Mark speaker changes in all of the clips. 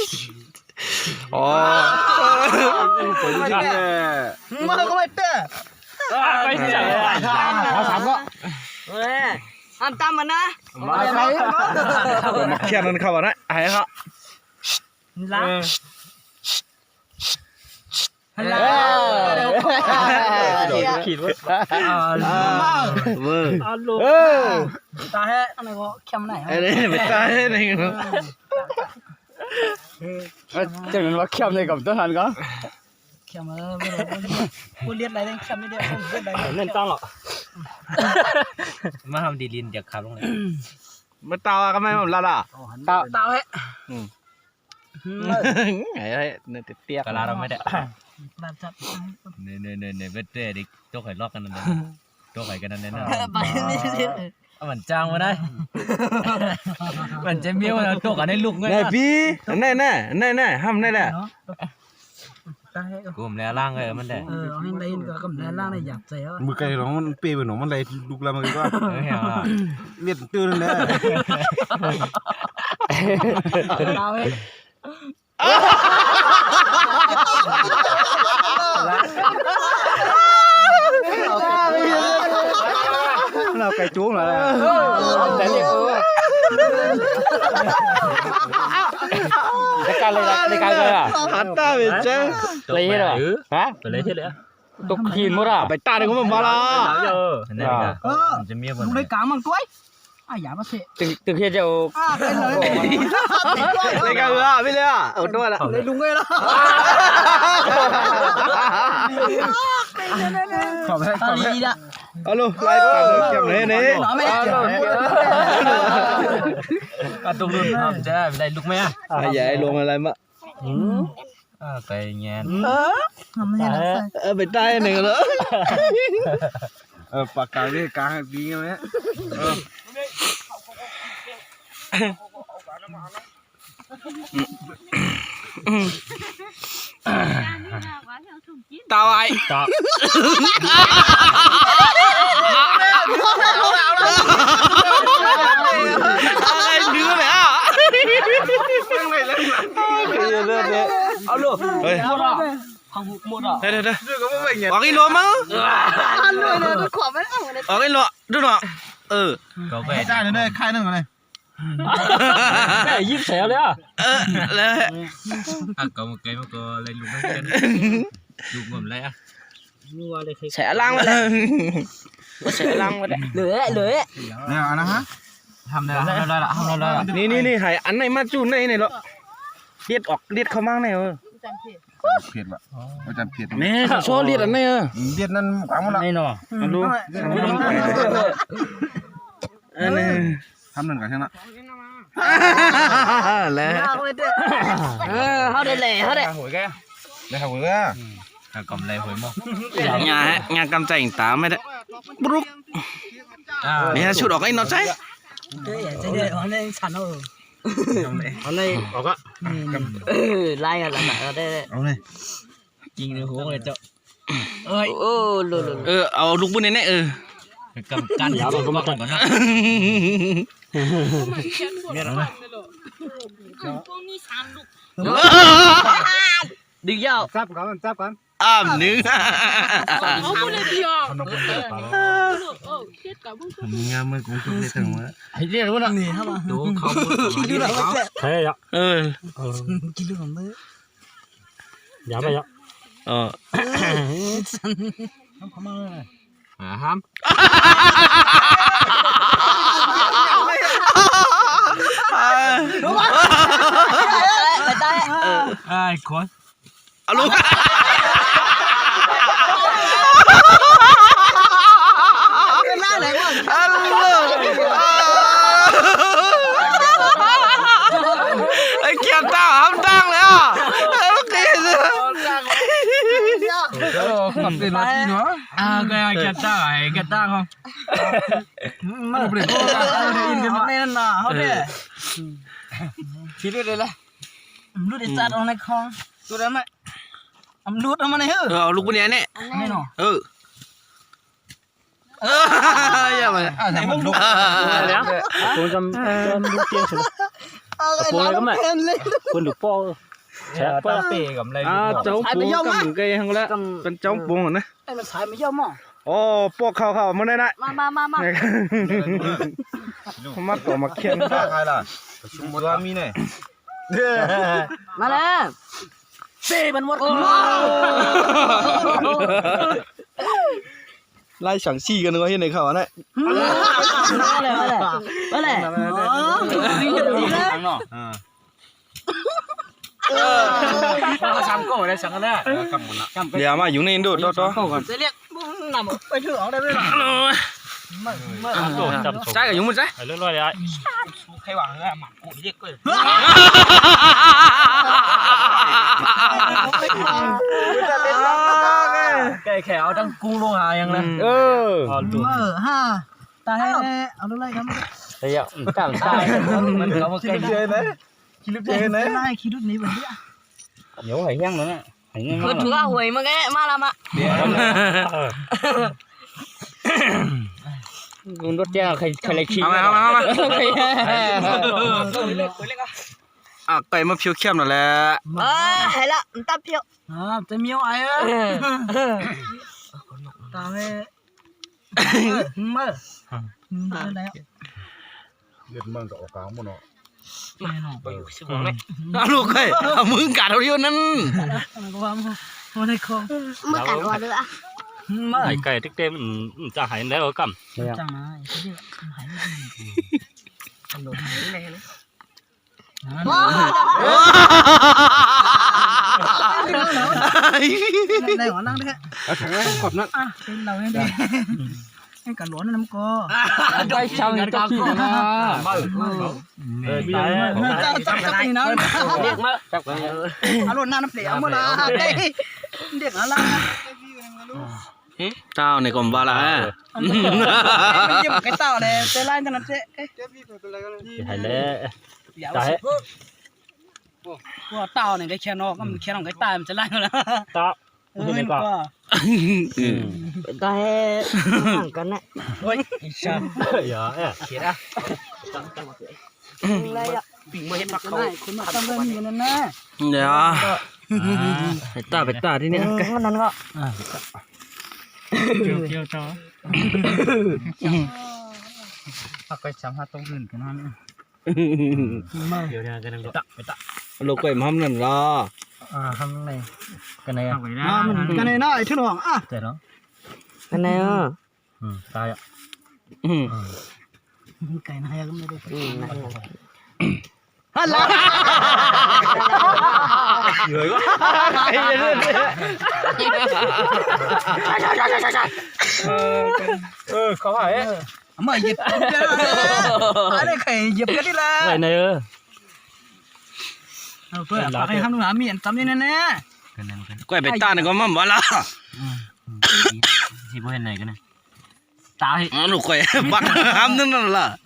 Speaker 1: อ๋อมันก็ไม่เต้
Speaker 2: ไม่ใช่
Speaker 1: เขาถามก็
Speaker 3: อันตามมันนะ
Speaker 1: มาใครมาเขียนนั่นเขาบอกนะไอ้เขา
Speaker 3: ล้าง
Speaker 1: ขีดว่าเวอร์
Speaker 3: ตาแห้อะไรก็เข้มไหน
Speaker 1: ไอ้เนี่ยไม่ตายเลยเนาะจังนั้นว่าเข้มเลยกับตัวหันก็
Speaker 3: เข้มพูดเลียดอะไรเข้มไม่ได้พูดเลียดอะไร
Speaker 2: เล่นต้องหรอกมาทำดีลินจากขับลงเลย
Speaker 1: มาตาก็ไม่ผมละล่ะ
Speaker 3: ตาแห้
Speaker 1: ไงเนี่ยเตี้ย
Speaker 2: กะลาเราไม่ได้
Speaker 3: แบบจับ
Speaker 2: เนี่ยเวทเด็กตัวไข่ลอกกันนั่นตัวไข่กันนั่นนั่น
Speaker 3: ไปนี่สิ
Speaker 2: มันจ้างมาได้มันจะมีว่าตัวกันให้ลูกไง
Speaker 1: นายพี่แน่ห้ามแน่
Speaker 2: กูมแล้วล่างเลยมันได้
Speaker 3: เอาให้ได้ก็กำแล้วล่างได้อยากใจอ่ะ
Speaker 1: มือไก่ร้องมันเปี้ยไปหนูมันเลยลูกแล้วมันก็เลียดตื้นเลย
Speaker 3: เราเฮ้
Speaker 1: เราไก่จุ้งเหรอแต่เรียกในการเลยอ่ะฮัตตาเวชเลยเหรอฮะ
Speaker 2: เลยใช่เลย
Speaker 1: ตกขีนมั้งอ่ะไปตาเด็กมันมาละ
Speaker 2: นี่จะมีคน
Speaker 3: เลยกลางมันด้วยอย่ามาเสะ
Speaker 1: ตึกเฮียจะ
Speaker 3: เป็นเลย
Speaker 1: ในการเลยไม่เลยอ่ะเอาด้วยละ
Speaker 3: เลยลุงเลยละ
Speaker 1: ขอบคุณ
Speaker 3: ดีละ
Speaker 1: เอาลูกไล่ปากเก็บเลยนี่
Speaker 2: ตุกรุ่นจะได้ลูกไหมอ่ะ
Speaker 1: ใหญ่ลงอะไรมะ
Speaker 2: ไปเงี้ย
Speaker 1: ไปใต้หนึ่งแล้วปากกาเนี่ยกลางดีไหมตาไอ้
Speaker 2: ตา
Speaker 1: อะไรดื้อเลยอ่ะเลือดเนี่ยเอาลูกเฮ้ย
Speaker 2: หมดอ่ะ
Speaker 1: เดี๋ยวออกอีโลมั้ง
Speaker 3: ด้วยนะทุกขอบไม่เอาเลย
Speaker 1: ออกอีโลดูหน่อย
Speaker 2: ก็ไป
Speaker 1: ได้เลยค่ายนึงเลย
Speaker 2: แม่ยิ้มแฉเลยอ่ะ
Speaker 1: แล้ว
Speaker 2: ก็มาเกยมาก็เลยลุกไม่เป็นลุกหมดเลยอ่ะ
Speaker 3: แฉลังมาเลยแฉลังมาเลยเหลือ
Speaker 1: เนี่ยนะฮะ
Speaker 2: ทำได้ละ
Speaker 1: นี่หายอันไหนมาจูนไหนเหรอเลียดเขามั่งไหนเพียดว่ะอาจารย์เพียดแม่โซ่เลียดอันไหนเลียดนั่นขวางมันละ
Speaker 2: ไม่หนอ
Speaker 1: ดูอันนี้ทำหนึ่งกันใช่ไหมแล้ว
Speaker 3: เขาได้เลยเขาได้
Speaker 1: หวยแกได้หวยแก
Speaker 2: กำไรหวยมั้ง
Speaker 1: งานกำใจตาไม่ได้บลุกนี่ชุดออกไอ้นอใจ
Speaker 3: ใจเด็ดอันนี้ฉันเอา
Speaker 1: เลยออกก็
Speaker 3: ไล่กันละได้
Speaker 1: เอาเลย
Speaker 2: จริงเลยหัวเลยเจ้า
Speaker 1: เอาลูกบุญเนี่ย
Speaker 2: กำกันอย่าก็มาก่อนนะ
Speaker 1: เนี่ยนะ
Speaker 3: ดึงยาว
Speaker 1: จับกันเนื้อ
Speaker 4: เอาไปเลยพี่อ๋
Speaker 1: องานมันคงจะได้ถึงวะ
Speaker 2: ไอ้เรื่องนั้นนี่ครับดูเขา
Speaker 3: กินเรื่องอะไร
Speaker 2: ใช่อ่ะ
Speaker 3: กินเรื่องอะไร
Speaker 2: อย่าไปอ่ะ
Speaker 3: เขามาเลย
Speaker 2: ห้ามไอ้คน
Speaker 1: เอาลูก
Speaker 3: น่าไหนวะ
Speaker 1: ไอ้เกียร์ตาห้ามตั้งเลยอ่ะขับเป็นรถเนาะ
Speaker 2: ก็เกียร์ตาไอ้เกียร์ตาเขา
Speaker 3: มันเปลี่ยนอินกันแน่นนะเขาเนี่ยคิดเลยละรูดจัดเอาในคลองดูได้ไหมรูดเอามาใน
Speaker 1: เอาลูกบุญเนี่ย
Speaker 3: ไม่หนอ
Speaker 1: อย่ามา
Speaker 2: ไหนมึงลุกแล้วกูจำลูกเตี้ยสุดปูอะไรก็ไม่คนดูป้อแฉะป้อเปกับอะไรเจ้าปูกับไก่ทั้งแล้วเป็นเจ้าปูนะ
Speaker 3: ไอ้มันสายไม่เยอะมั้ง
Speaker 1: โอ้พวกเขามาได้นะ
Speaker 3: มา
Speaker 1: มาต่อมาเคียนใครล่ะชุมบัวมีเนี่ย
Speaker 3: มาแล้วเซ่มันหมด
Speaker 1: ไล่สั่งซี่กันนึกว่าเห็นในข่าวนะ
Speaker 3: มาเลย
Speaker 2: ซ้ำก็ได้สั่งกันได้
Speaker 1: เดี๋ยวมาอยู่ในดูต่อ
Speaker 3: จะเรียกนำไปถือออกได้ไหมล่ะ
Speaker 1: ใช่กับอยู่มั้ยใช่
Speaker 2: เรื่อยๆเลย
Speaker 3: ใครหวังเลยหมักกูเรียกเลย
Speaker 2: ไก่แขวตั้งกุ้งลงหายังนะ
Speaker 3: ฮะตาให้เอาดูไรครับ
Speaker 2: เฮ้ยต่างชาติมันเขามาใกล้เยอะนะคิดลึกเยอะนะ
Speaker 3: ไล่คิดรุ่นนี้แบบนี้
Speaker 2: เดี๋ยวหายยังแล้วเนี่ยหายยัง
Speaker 3: คือถือว่าหวยมาแกมาละมา
Speaker 2: คุณรถแจ้งใครเลยขี่
Speaker 1: เอาไก่มาเพียวเข้มนั่นแหละ
Speaker 3: ให้ละตับเพียวจะมีอะไรอ่ะตาให้มาได้แล้ว
Speaker 1: เลือดมันก็ออกกลางหมดเนาะ
Speaker 3: ไปอยู่สิบวันเลย
Speaker 1: ลูกไก่มึงกัดเอาเดียวนั้น
Speaker 3: ก็ว่ามันได้คอมือกัดว่าด้วยอ่ะมา
Speaker 2: ไก่ติ๊กเต็มจะหายแล้วกั
Speaker 3: จังนะหายไม่ดีอันโดนหายเลยนะได้หัวนั่งได้
Speaker 1: ขอบนั่น
Speaker 3: เป็นเราให้ดีให้กันหลวนน้ำกอ
Speaker 2: ได้ช่างกันกี่นะตาย
Speaker 3: จับกันนะเรียกมาจับกันอารมณ์น้ำเปลี่ยวมาละเด็กอะไร
Speaker 1: เจ้าในกรมบาลา
Speaker 3: ไม่ยิ้มไก่เต่าเลยเตะไล่จังนั้นเจ๊
Speaker 2: หายแล้วตาย
Speaker 3: ว่าเต่าเนี่ยได้แค่นอกก็มันแค่นอกไก่ตายมันจะไล่แล้ว
Speaker 2: ตา
Speaker 3: เห็นป่ะได้ห่างกันนะเฮ้ยชัน
Speaker 2: เยอะเขียนอ่ะ
Speaker 3: อะไรอ่ะปิ่งมาเห็นปักเขาคนมาตั้งเรื่องนี้นั่นนะ
Speaker 1: เดี๋ยวไปตาที่นี่
Speaker 3: มันนั่นก็
Speaker 2: เกี่ยวต่อพักไปซ้ำหาตรงอื่นกันนั่นเดี๋ยวเนี่ยกันนั่งไปตะ
Speaker 1: ลูกไก่ม้อมนั่นล่ะ
Speaker 2: ทำไงกันไหน
Speaker 3: กันไหนน้อยที่หลวงอ่ะ
Speaker 2: เจ๋เนาะ
Speaker 3: กันไหนอ่ะ
Speaker 2: ตายอ่ะ
Speaker 3: ไก่นายก็ไม่ได้ฮัลโหล
Speaker 1: เหนื่อยก็
Speaker 2: เขาหาย
Speaker 3: มาหยิบอะไรใครหยิบกันดิล่ะ
Speaker 2: ไหนเนอ
Speaker 3: เพื่อปากให้ทำหนูหามีอันจำนี่แน่
Speaker 1: ไก่ไปตาเนี่ยก็มั่มวะล่ะ
Speaker 2: ที่พวกเห็นไหนกันนะตาย
Speaker 1: ลูกไก่ปักห้ามนั่นล่ะ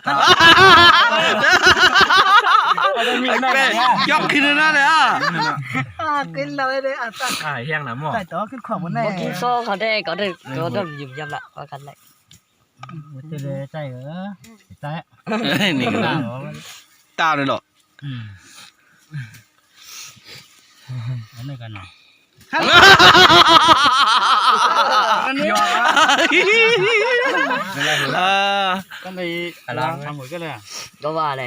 Speaker 1: ยกขึ้นนั่นเลย
Speaker 3: กินเราเลยอ่ะตั้ง
Speaker 2: แห้งนะหม้อ
Speaker 3: ใส่ตัวขึ้นของบนไหนกินโซ่เขาได้ก็ได้ก็ต้องหยิบยำละว่ากันเลย
Speaker 2: จะเลยใจเหรอใจ
Speaker 1: นี่ก็ตาเลยหรอ
Speaker 2: อะไรกันเนาะ
Speaker 3: อันนี้
Speaker 2: ก็เลยอะไรทำหมดก็เลย
Speaker 3: ก็ว่าแหละ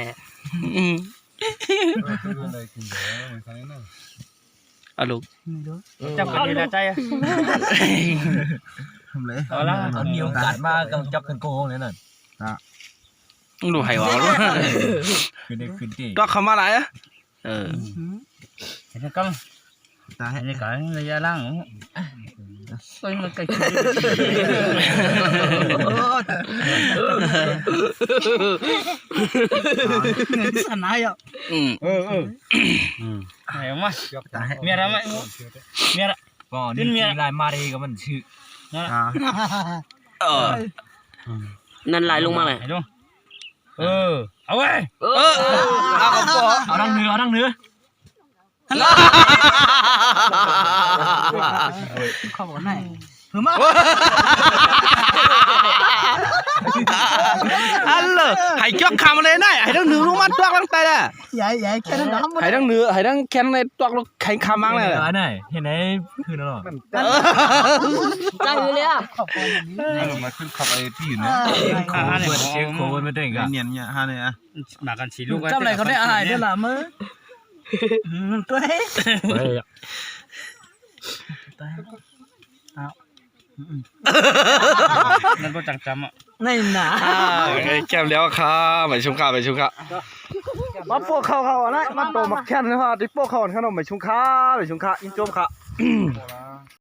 Speaker 1: ลูก
Speaker 2: จับกันดีนะใจ
Speaker 1: ทำเลย
Speaker 2: เอาละมีโอกาสมากกับจับกันโกงเลยนั่น
Speaker 1: ดูไห่หวานด้วย
Speaker 2: ขึ้นที่
Speaker 1: ก็เข้ามาไหนอ่ะ
Speaker 2: เห็นกันตาเห็นกันระยะล่างก็ยังไกล
Speaker 3: สนายอ่ะ
Speaker 2: ไหนมาเมียอะไรไหมเมียอะไรก่อนนี่ลายมารีก็มันชื่อ
Speaker 3: นั่นลายลงมาเลย
Speaker 2: เอาไว้เอาดังเนื้อ
Speaker 3: ข้าวบนไหนมา
Speaker 1: อันเลยให้จอกคำอะไรได้ให้ทั้งหนึ่งลูกมันตวกลังไตแหละ
Speaker 3: ใหญ่แค่นั้นน้ำ
Speaker 1: ให้ทั้งเนื้อให้ทั้งแคนในตวกลูกไข่คำมั้งเลย
Speaker 2: อันไหนเห็นไหนคือนั่นหรอ
Speaker 3: จังเลยอ่ะ
Speaker 1: มาขึ้นขับไอ้ที่อยู่เนี่ย
Speaker 2: โคเปิดเช็คโคไม่ได้กัน
Speaker 1: เนียนเนี่ยฮะเนี่ย
Speaker 2: มากันสีลูก
Speaker 3: จำอะไรเขาได้อาหารได้ละมึงตัวเฮ้ย
Speaker 2: นั่นก็จังจำอ่ะ
Speaker 3: นี่หนา
Speaker 1: แก้มแล้วครับไปชุมข้าไปชุมข้ามาพวกเขานะมาโตมาแค่นนะฮะที่พวกเขาขนมไปชุมข้าไปชุมข้าอินโจมข้า